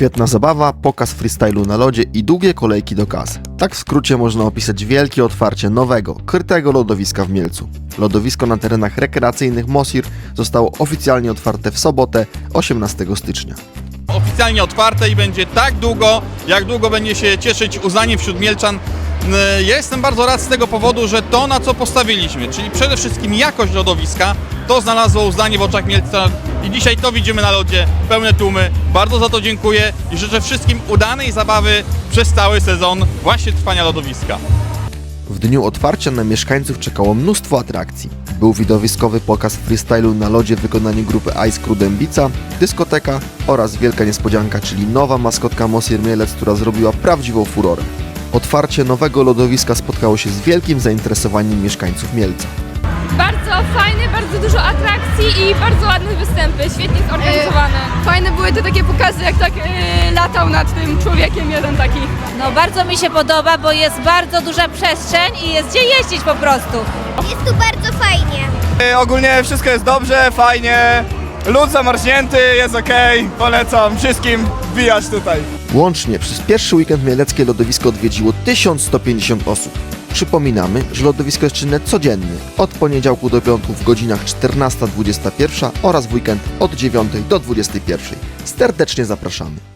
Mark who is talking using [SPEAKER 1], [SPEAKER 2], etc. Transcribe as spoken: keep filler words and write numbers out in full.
[SPEAKER 1] Świetna zabawa, pokaz freestylu na lodzie i długie kolejki do kas. Tak w skrócie można opisać wielkie otwarcie nowego, krytego lodowiska w Mielcu. Lodowisko na terenach rekreacyjnych Mosir zostało oficjalnie otwarte w sobotę, osiemnastego stycznia.
[SPEAKER 2] Oficjalnie otwarte i będzie tak długo, jak długo będzie się cieszyć uznaniem wśród Mielczan. Ja jestem bardzo rad z tego powodu, że to, na co postawiliśmy, czyli przede wszystkim jakość lodowiska, to znalazło uznanie w oczach Mielca i dzisiaj to widzimy na lodzie, pełne tłumy. Bardzo za to dziękuję i życzę wszystkim udanej zabawy przez cały sezon właśnie trwania lodowiska.
[SPEAKER 1] W dniu otwarcia na mieszkańców czekało mnóstwo atrakcji. Był widowiskowy pokaz freestylu na lodzie w wykonaniu grupy Ice Crew Dębica, dyskoteka oraz wielka niespodzianka, czyli nowa maskotka Mosir Mielec, która zrobiła prawdziwą furorę. Otwarcie nowego lodowiska spotkało się z wielkim zainteresowaniem mieszkańców Mielca.
[SPEAKER 3] Bardzo fajny, bardzo dużo atrakcji i bardzo ładne występy, świetnie zorganizowane.
[SPEAKER 4] Fajne były te takie pokazy, jak tak yy, latał nad tym człowiekiem jeden taki.
[SPEAKER 5] No bardzo mi się podoba, bo jest bardzo duża przestrzeń i jest gdzie jeździć po prostu.
[SPEAKER 6] Jest tu bardzo fajnie.
[SPEAKER 7] Ogólnie wszystko jest dobrze, fajnie, lód zamarznięty, jest okej, polecam wszystkim wbijać tutaj.
[SPEAKER 1] Łącznie przez pierwszy weekend mieleckie lodowisko odwiedziło tysiąc sto pięćdziesiąt osób. Przypominamy, że lodowisko jest czynne codziennie, od poniedziałku do piątku w godzinach czternasta do dwudziestej pierwszej oraz w weekend od dziewiątej do dwudziestej pierwszej. Serdecznie zapraszamy.